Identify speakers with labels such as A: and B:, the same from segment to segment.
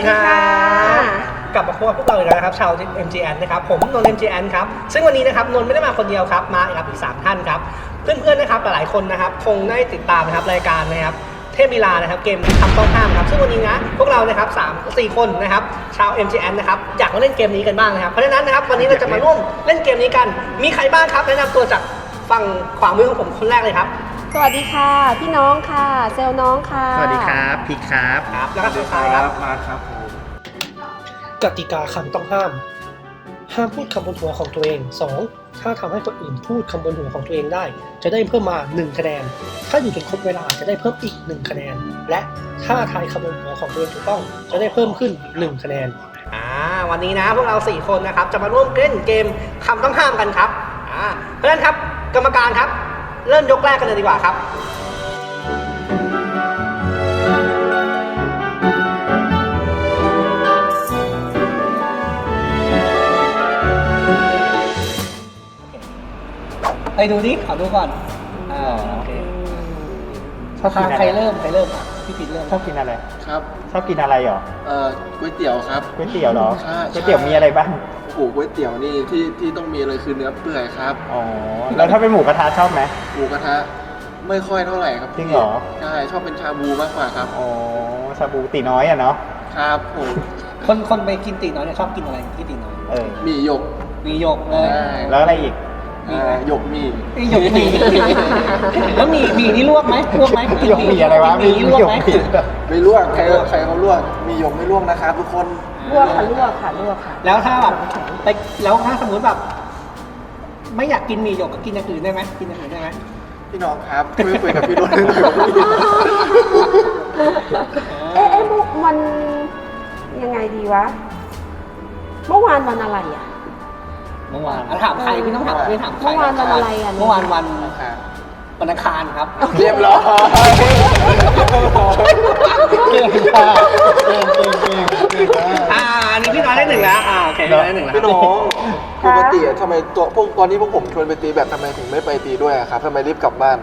A: ดีครับกลับมาพบกับพวกเราอีกแล้วนะครับชาว MGN นะครับผมนนท์ MGN ครับซึ่งวันนี้นะครับนนท์ไม่ได้มาคนเดียวครับมากับอีก3ท่านครับเพื่อนๆนะครับหลายๆคนนะครับคงได้ติดตามนะครับรายการนะครับเทพลีลานะครับเกมคำต้องห้ามครับซึ่งวันนี้นะพวกเรานะครับ4 คนนะครับชาว MGN นะครับอยากมาเล่นเกมนี้กันบ้างนะครับเพราะฉะนั้นนะครับวันนี้เราจะมาร่วมเล่นเกมนี้กันมีใครบ้างครับแนะนำตัวจากฝั่งขวามือของผมคนแรกเลยครับ
B: สวัสดีค่ะพี่น้องค่ะเซลน้องค่ะ
C: สวัสดีครับพีครับ
A: แล้วก็สุดท้ายครับ
C: มาครับผม
A: กติกาคำต้องห้ามพูดคำบนหัวของตัวเอง 2. ถ้าทำให้คนอื่นพูดคำบนหัวของตัวเองได้จะได้เพิ่มมา1คะแนนถ้าอยู่จนครบเวลาจะได้เพิ่มอีก1คะแนนและถ้าทายคำบนหัวของตัวเองถูกต้องจะได้เพิ่มขึ้น1คะแนนวันนี้นะพวกเรา4 คนนะครับจะมาร่วมเล่นเกมคำต้องห้ามกันครับเพราะฉะนั้นครับกรรมการครับเริ่มยกแรกกันเลยดีกว่าครับไปดูดิขอดูก่อนโอเคใครเริ่มพี่ปิดเริ่ม
C: ชอบกินอะไร
D: ครับ
C: ชอบกินอะไรหรอ
D: ก๋วยเตี๋ยวครับ
C: ก๋วยเตี๋ยวเหรอ
D: ใช่
C: ก๋วยเตี๋ยวมีอะไรบ้าง
D: โอ้โหก๋วยเตี๋ยวนี่ที่ต้องมีเลยคือเนื้อเปื่อยครับ
C: อ๋อแล้วถ้าเป็นหมูกระทะชอบไหม
D: หมูกระทะไม่ค่อยเท่าไหร่ครับ
C: จริงเหรอ
D: ใช่ชอบเป็นชาบูมากกว่าครับ
C: อ๋อชาบูตีน้อยอ่ะเนาะ
D: ครับผม
A: คนไปกินตีน้อยเนี่ยชอบกินอะไรที่ตีน้อย
D: มีหยก
A: เลย
C: แล้วอะไรอีก
D: หยกมี
A: แล้วมีนี่ลวกไหม
C: หยกมีอะไรวะมีลวกไหม
D: ไม่ลวกใครเขาลวกมีหยกไม่ลวกนะครับทุกคน
B: ลวกค่ะ
A: แล้วถ้าแบบแล้วถ้าสมมติแบบไม่อยากกินมีหยกก็กินอย่างอื่นได้ไหมกินอย่างอื่นได้ไหม
D: พี่น้องครับไม่คุยกับพี่รุ่นเลย
B: มันยังไงดีวะเมื่อวานวันอะไรอ่ะ
A: เมื่อวานถามใครพี่ต้องถามพี่ถามใคร
B: เมื่อวานวันอะไรอ่ะ
A: เมื่อวานวันอังคารครับ
D: เรียบร้อย
C: เก่ง
A: อันนี้พี่น้อยได้1แล้วโอเคได้1แล้ว
D: พี่น้องปกติทำไมตอนนี้พวกผมชวนไปตีแบบทำไมถึงไม่ไปตีด้วยครับทำไมรีบกลับบ้าน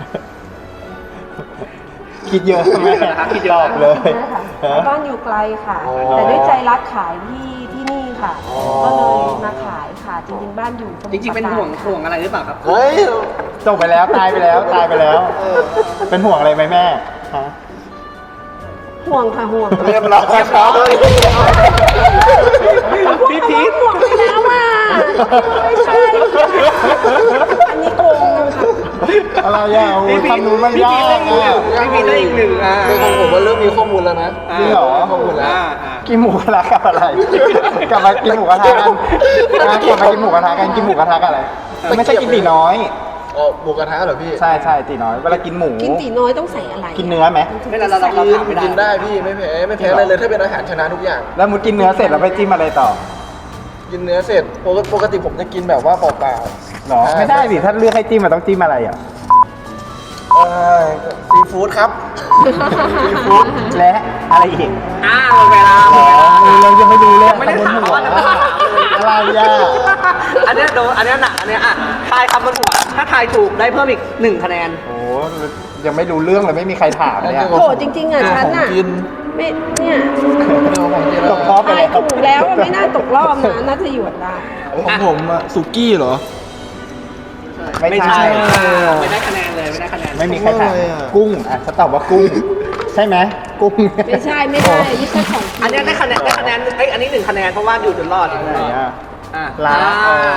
C: คิดเยอะไหมครับคิดเยอะเลย
B: บ้านอยู่ไกลค่ะแต่ด้วยใจรักขายที่นี่ค่ะก็เลยมาขายค่ะจริงๆบ้านอยู่
A: จริงๆเป็นห่วงอะไรหรือเปล่าครับ
D: เฮ้ย
C: จบไปแล้วตายไปแล้วเป็นห่วงอะไรไหมแม่
B: ห่วงค่ะห่วง
D: เรียบร้อยครับ
A: พี่พีท
B: ห่วงไปแล้วอ่ะไม่ใช่อันนี้โกงนะคะ
C: อะไรอ่ะโอ้ยทำนู้นมันยาก
A: พี่พีทได้อีก1
D: คือของผมว่าเริ่มมีข้อมูลแล้วนะ
C: จริงเหรอ
D: ข้อมูลแล้ว
C: กินหมูกระทะกับอะไรกลับมากินหมูกระทะกันกินหมูกระทะกับอะไรไม่ใช่กินตีน้อย
D: หมูกระทะเหรอพี่
C: ใช่ตีน้อยเวลากินหมู
B: กินตีน้อยต้องใส่อะไร
C: กินเนื้อไหม
A: ไม่เราถามไม่ได้
D: กินได้พี่ไม่แพ้อะไรเลยถ้าเป็นอาหารชนะทุกอย่าง
C: แล้วมุดกินเนื้อเสร็จแล้วไปจิ้มอะไรต่อ
D: กินเนื้อเสร็จปกติผมจะกินแบบว่าเปล่า
C: ๆหรอไม่ได้สิถ้าเลือกให้จิ้มมันต้องจิ้มอะไรอ่ะ
D: ซีฟู้ดครับ
C: ซีฟู้ดและอะไรอีก
A: เวลา
C: เรายังไม่ดูเลย
A: ไม่ได้ถามว่า
C: อะไรอ่ะ
A: อันนี้หนักอันนี้ทายคำบนหัวถ้าทายถูกได้เพิ่มอีก1คะแนน
C: โอ้ยังไม่รู้เรื่องเลยไม่มีใครถามเนี่ย
B: โหจริงๆอ่ะฉันอ่ะไม่เนี่ย
C: ตกรอบไปแล้ว
B: ถูกแล้วไม่น่าตกรอบนะน่าจะหยุดได้
D: ของผมสุกี้เหรอ
C: ไม่ใช่
A: ไม่ได้คะแนนเลยไม่ได้คะแนน
C: ไม่มีใครถามกุ้งฉันตอบว่ากุ้งใช่ไหมกุ้ง
B: ไม่ใช่ไม่ใช่ของ
A: อันนี้ได้คะแนนอันนี้1คะแนนเพราะว่าอยู่จนรอด
C: ลา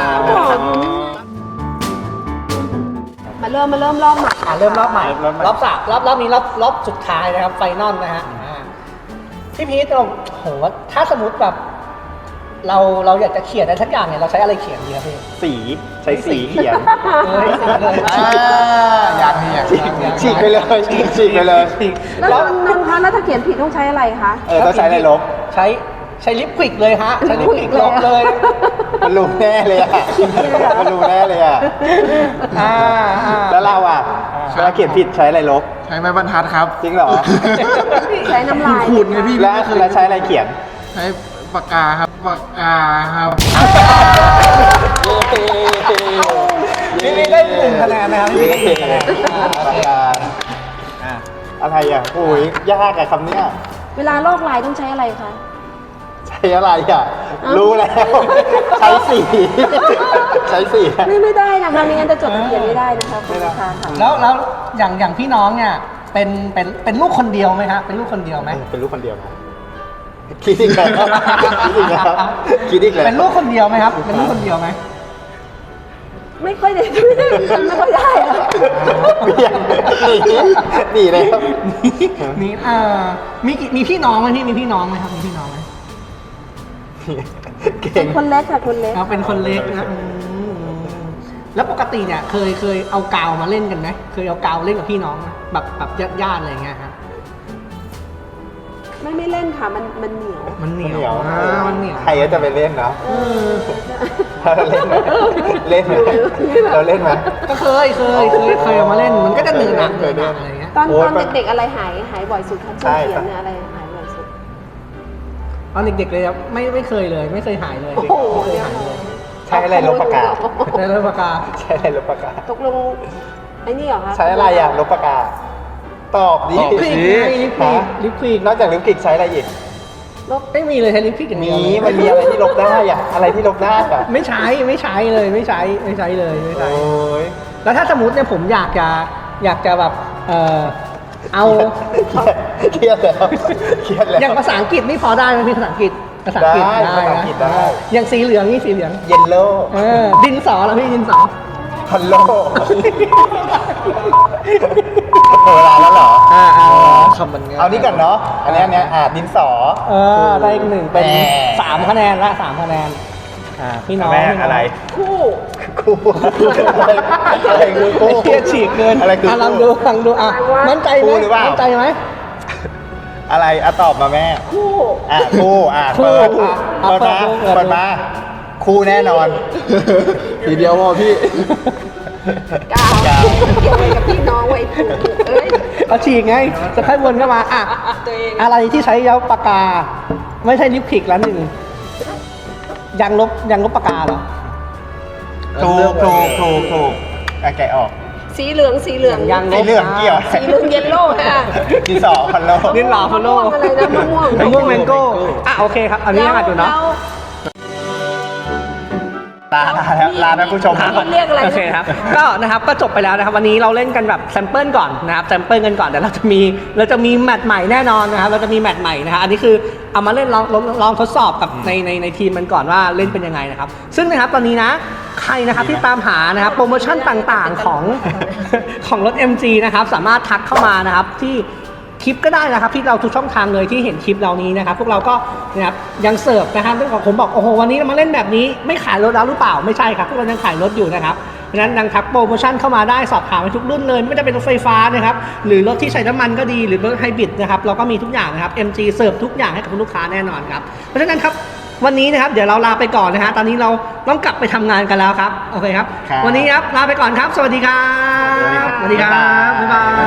B: มาเริ่มรอบใหม่
A: เริ่มรอบใหม่รอบ3รอบนี้รอบสุดท้ายนะครับไฟนอลนะฮะพี่พีทโหถ้าสมมติแบบเราอยากจะเขียนอะไรสักอย่างเนี่ยเราใช้อะไรเขียนดีครับพี่
C: ใช้สีเขียน
D: อย่าง
C: ฉีกไปเลย
B: แล้วถ้าเขียนผิดต้องใช้อะไรคะ
C: ต้องใช้อะไรลบ
A: ใช้ลิปควิกเลยฮะใช้ลิปควิกลบเลย
C: มันรู้แน่เลยอ่ะแล้วเราอ่ะเวลาเขียนผิดใช้อะไรลบ
D: ใช้ไม้บรรทัดครับ
C: จริงเหรอ
B: ใช้น้ำลาย
D: ขูดไงพี่
C: แล้วใช้อะไรเขียน
D: ใช้ปากกาครับ
A: นี่ได้1คะแนนนะครับนี่ได้1คะแนน
C: อะไรอ่ะโอ้ยยากอะคำเนี้ย
B: เวลาลอกลายต้องใช้อะไรคะ
C: ใช้อะไรอ่ะ รู้แล้ว ใช้สีใช้สี
B: ไม่ได้นะคะไม่งั้นจะจดทะเบียนไม่ได้นะคะคุณลูกค้าค่ะ
A: แล้วอย่างพี่น้องเนี่ยเป็นลูกคนเดียวไหมครับเป็นลูกคนเดียวไหม
C: เป็นลูกคนเดียวนะคิดอีกแล้วคิดอีกแล้วคิดอีกแล้ว
A: เป็นลูกคนเดียวไหมครับเป็นลูกคนเดียวไหม
B: ไม่ค่อยได้ทำไม่ค่อยได้อะ
C: เบี่ยงหนีเลยครับ
A: มีมีพี่น้องไหมพี่มีพี่น้องไหมครับมีพี่น้องไหม
C: เก่
B: เป็
C: ง
B: นคนเล็กค่ะคนเล็ก
A: เราเป็นคนเล็กนะแล้วปกติเนี่ยเคยเอากาวมาเล่นกันไหมเคยเอากาวเล่นกับพี่น้องไหมแบบญาติอะไรอย่างเงี้ยครับ
B: ไม่เล่นค่ะมันเหนียว
A: มันเหนี
C: เห
A: ยว
C: นียว
A: มันเหนียว
C: ใครก็จะไปเล่นเนาะ
B: เออ
C: เราเล่นไหมเล่นไหมเราเล่นไหม
A: ก็เคยเอามาเล่นมันก็จะเหนื่อยหนักอะไรอย่างเงี้ย
B: ตอน
C: โอ๊ย
B: เด็กๆอะไรหายบ่อยสุดคะ
C: ใช่
B: ช่วงเขียนเนี่ยอะไรหายบ่อยสุด
A: ตอนเด็กๆเลยครับไม่เคยเลยไม่เคยหายเลย
B: โอ้โห
A: ไม่เคยหายเลย
C: ใช้อะไรลบปากกา
A: ในเรื่องปากกา
C: ใช้อะไรลบปากกา
B: ตกลงไอ้นี่เหรอคะ
C: ใช้อะไรอ่ะลบปากกา ตอบดิ
A: ลิปควิกไงลิปควิกลิปควิก
C: นอกจากลิปกลิกใช้อะไรอีก
A: ไม่มีเลยใช้ลิปควิกอย่าง
C: มี
A: เดียว
C: มันมีอะไรที่ลบได้อ่ะ อะไรที่ลบได้อ่ะ
A: ไม่ใช้เลยไม่ใช้เลยไม่ใช้
C: โอ้ย
A: แล้วถ้าสมมติเนี่ยผมอยากจะแบบเอา
C: เครียดแล้วเครียดแล้ว
A: อย่างภาษาอังกฤษนี่พอได้ไหมพี่ภาษาอังกฤษภาษาอังกฤษ
C: ได้ภาษาอังกฤษได้
A: อย่างสีเหลืองนี่สีเหลือง
C: เยลโล่
A: ดินสอแล้วพี่ดินสอ
C: ฮัลโหลเวลาแล้วเหรอ
A: คำมันง่าย
C: เอานี่ก่อนเนาะ อันนี้ดินสอ
A: ได้อีกหนึ่งเป็น
C: แหม
A: 3 คะแนนละ3 คะแนนพี่น้อง
C: แม่
A: พี่น้ง
C: อะไร
B: คู่
C: คู่อะไรคือคู่
A: เครียดฉีกเกิน
C: อะไรคือ
A: ลองดูมั่นใจไหม
C: คู่หรือเปล่า
A: มั่นใจไหม
C: อะไรอะตอบมาแม่
B: คู่
C: คู่
A: คู่
C: เปิด
A: อ่ะ
C: เปิดมา
A: เปิดดู
C: เปิดมา คู่แน่นอน
D: ทีเดียวพอพี่
B: กาวเกี่ยวอะไรกับพี่น้องไว้คู่เอ้ย
A: เอาฉีกไงจะค่อยวนเข้ามา
B: ตัวเอง
A: อะไรที่ใช้ยาปากกา ไม่ใช่ลิปควิกแล้วหนึ่งยางลบปากกาเหรอ
C: ถูกแกะออก
B: สีเหลือง
A: ยางล
C: สี
A: บ
C: เหลืองเกี่ยว
B: สีเหลืองเยลโล่ค่ะ
C: ดินสอฮัลโหล
A: ดินหล่อฟอลโล่
B: อะไรนะมะม่วง
A: มะม่วงแมงโก้โอเคครับอันนี้ยังอ่านอยู่เนาะ
C: ลาท่านผู้ชม
B: แล้วเรียกอะไรนะ
A: โอเคครับก็นะครับก็จบไปแล้วนะครับวันนี้เราเล่นกันแบบแซมเปิลก่อนนะครับแซมเปิลกันก่อนเดี๋ยวเราจะมีแมตช์ใหม่แน่นอนนะครับเราจะมีแมตช์ใหม่นะครับอันนี้คือเอามาเล่นลองทดสอบกับในทีมมันก่อนว่าเล่นเป็นยังไงนะครับซึ่งนะครับตอนนี้นะใครนะครับที่ตามหานะครับโปรโมชั่นต่างๆของรถ MG นะครับสามารถทักเข้ามานะครับที่คลิปก็ได้นะครับที่เราทุกช่องทางเลยที่เห็นคลิปเรานี้นะครับพวกเราก็นะครับยังเสิร์ฟนะครับเรื่องของผมบอกโอ้โหวันนี้เรามาเล่นแบบนี้ไม่ขายรถแล้วหรือเปล่าไม่ใช่ครับพวกเรายังขายรถอยู่นะครับเพราะฉะนั้นดังทักโปรโมชั่นเข้ามาได้สอบถามไปทุกรุ่นเลยไม่ว่าจะเป็นรถไฟฟ้านะครับหรือรถที่ใช้น้ำมันก็ดีหรือรถไฮบริดนะครับเราก็มีทุกอย่างนะครับ MG เสิร์ฟทุกอย่างให้กับคุณลูกค้าแน่นอนครับเพราะฉะนั้นครับวันนี้นะครับเดี๋ยวเราลาไปก่อนนะฮะตอนนี้เราต้องกลับไปทำงานกันแล้วครับโอเคครับวันนี้ครับลาไปก่อนครับสวัสดีครับ
C: สวัสดีครับ
A: บ๊ายบาย